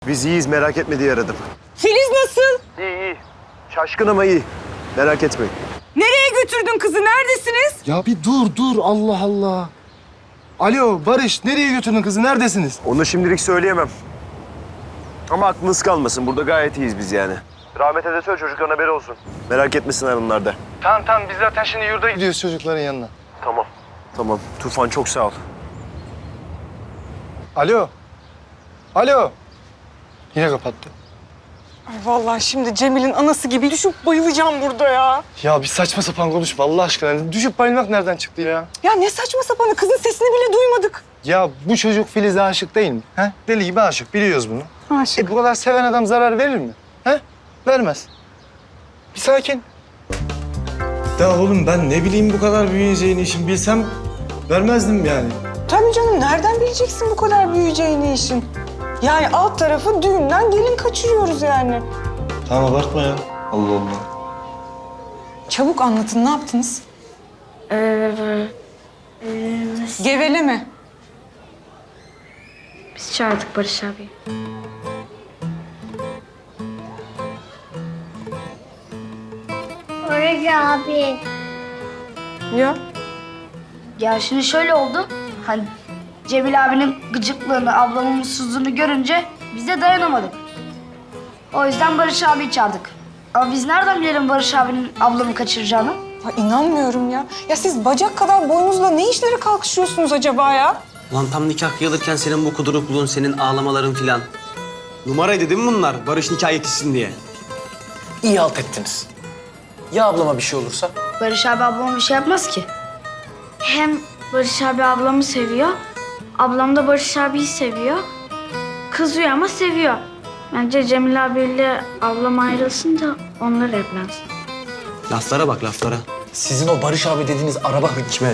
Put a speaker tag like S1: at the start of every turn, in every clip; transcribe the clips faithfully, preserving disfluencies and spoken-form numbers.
S1: Biz iyiyiz, merak etme diye aradım.
S2: Filiz nasıl?
S1: İyi iyi. Şaşkın ama iyi. Merak etmeyin.
S2: Nereye götürdün kızı? Neredesiniz?
S3: Ya bir dur dur Allah Allah. Alo Barış, nereye götürdün kızı? Neredesiniz?
S1: Onu şimdilik söyleyemem. Ama aklınız kalmasın. Burada gayet iyiyiz biz yani. Rahmet'e de söyle, çocukların haberi olsun. Merak etmesinler onlar da.
S3: Tamam tamam, biz zaten şimdi yurda gidiyoruz çocukların yanına.
S1: Tamam. Tamam. Tufan çok sağ ol.
S3: Alo. Alo. Yine kapattı.
S2: Ay vallahi şimdi Cemil'in anası gibi düşüp bayılacağım burada ya.
S3: Ya bir saçma sapan konuşma Allah aşkına. Düşüp bayılmak nereden çıktı ya?
S2: Ya ne saçma sapanı, kızın sesini bile duymadık.
S3: Ya bu çocuk Filiz'e aşık değil mi? He? Deli gibi aşık, biliyoruz bunu.
S2: Aşık.
S3: E bu kadar seven adam zarar verir mi? He? Vermez. Bir sakin. Ya oğlum ben ne bileyim bu kadar büyüyeceğini, işin bilsem vermezdim yani.
S2: Tabii canım, nereden bileceksin bu kadar büyüyeceğini işin? Yani alt tarafı düğünden gelin kaçırıyoruz yani.
S3: Tamam abartma ya. Allah Allah.
S2: Çabuk anlatın, ne yaptınız?
S4: Ee, e,
S2: Geveleme.
S4: biz çağırdık Barış abi.
S5: Barış abi.
S2: Ya
S5: Ya şimdi şöyle oldu. Hani Cemil abinin gıcıklığını, ablamın mutsuzluğunu görünce biz de dayanamadık. O yüzden Barış abiyi çağırdık. Ama biz nereden bilelim Barış abinin ablamı kaçıracağını?
S2: Ya inanmıyorum ya. Ya siz bacak kadar boyunuzla ne işlere kalkışıyorsunuz acaba ya?
S6: Lan tam nikah kıyılırken senin bu kudurukluğun, senin ağlamaların filan. Numaraydı değil mi bunlar? Barış nikah yetişsin diye.
S7: İyi halt ettiniz. Ya ablama bir şey olursa?
S5: Barış abi ablama bir şey yapmaz ki.
S4: Hem Barış abi ablamı seviyor, ablam da Barış abiyi seviyor. Kızıyor ama seviyor. Bence Cemil abiyle ablam ayrılsın da onlar evlensin.
S6: Laflara bak laflara.
S7: Sizin o Barış abi dediğiniz araba Hikmet.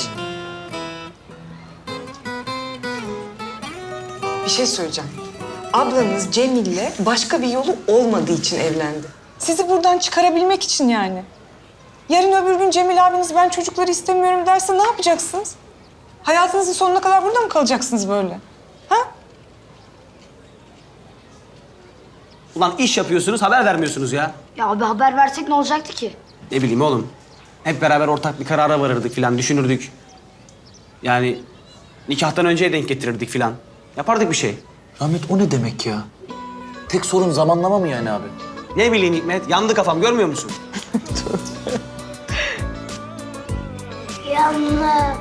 S2: Bir şey söyleyeceğim. Ablanız Cemil'le başka bir yolu olmadığı için evlendi. Sizi buradan çıkarabilmek için yani. Yarın öbür gün Cemil abiniz ben çocukları istemiyorum derse ne yapacaksınız? Hayatınızın sonuna kadar burada mı kalacaksınız böyle? Ha?
S6: Ulan iş yapıyorsunuz, haber vermiyorsunuz ya.
S5: Ya abi haber versek ne olacaktı ki?
S6: Ne bileyim oğlum. Hep beraber ortak bir karara varırdık filan, düşünürdük. Yani nikahtan önceye denk getirirdik filan. Yapardık bir şey.
S7: Rahmet o ne demek ya? Tek sorun zamanlama mı yani abi?
S6: Ne bileyim Hikmet, yandı kafam görmüyor musun?
S5: Yanlış.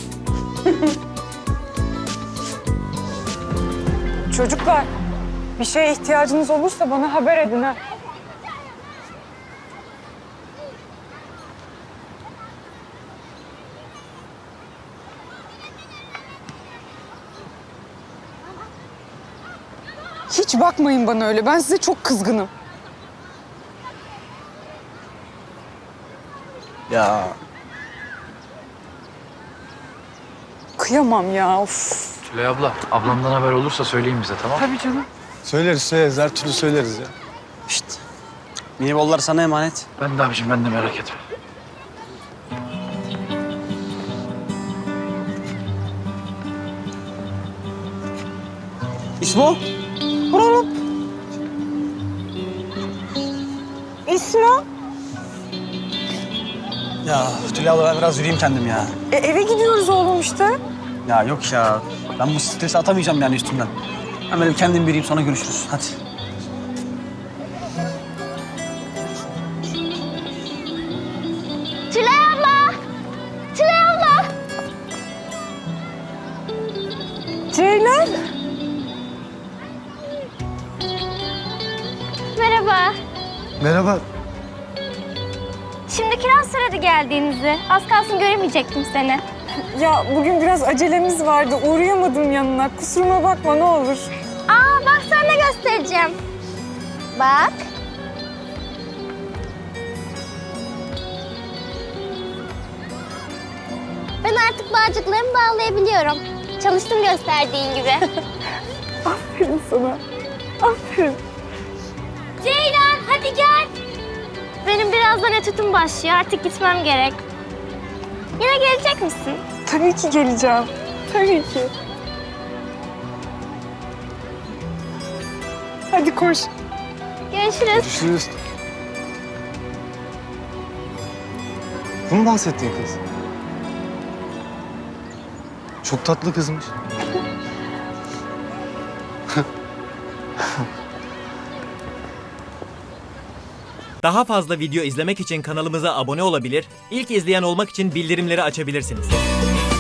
S2: Çocuklar, bir şeye ihtiyacınız olursa bana haber edin ha. Hiç bakmayın bana öyle. Ben size çok kızgınım.
S7: Ya
S2: Kıyamam ya. Of.
S8: Tülay abla, ablamdan haber olursa söyleyin bize, tamam mı?
S2: Tabii canım.
S3: Söyleriz söyleriz, her türlü söyleriz ya.
S6: Şşt. Minibollar sana emanet.
S8: Ben de abiciğim, ben de merak etme.
S6: İsmo?
S2: Buranın. İsmo.
S6: Ya Tülay abla ben biraz yürüyeyim kendim ya.
S2: E, eve gidiyoruz oğlum işte.
S6: Ya yok ya. Ben bu stresi atamayacağım yani üstümden. Ben böyle kendim yürüyeyim sonra görüşürüz. Hadi.
S5: Tülay abla! Tülay abla!
S2: Ceylan.
S9: Merhaba.
S3: Merhaba.
S9: Şimdi kiraz söyledi geldiğinizi. Az kalsın göremeyecektim seni.
S2: Ya bugün biraz acelemiz vardı. Uğrayamadım yanına. Kusuruma bakma ne olur.
S9: Aa bak sana ne göstereceğim. Bak. Ben artık bağcıklarımı bağlayabiliyorum. Çalıştım gösterdiğin gibi.
S2: Aferin sana. Aferin.
S9: Ceylan hadi gel. Benim birazdan etütüm başlıyor. Artık gitmem gerek. Yine gelecek misin?
S2: Tabii ki geleceğim. Tabii ki. Hadi koş.
S9: Görüşürüz.
S3: Görüşürüz. Bu mu bahsettiğin kız? Çok tatlı kızmış.
S10: Daha fazla video izlemek için kanalımıza abone olabilir, ilk izleyen olmak için bildirimleri açabilirsiniz.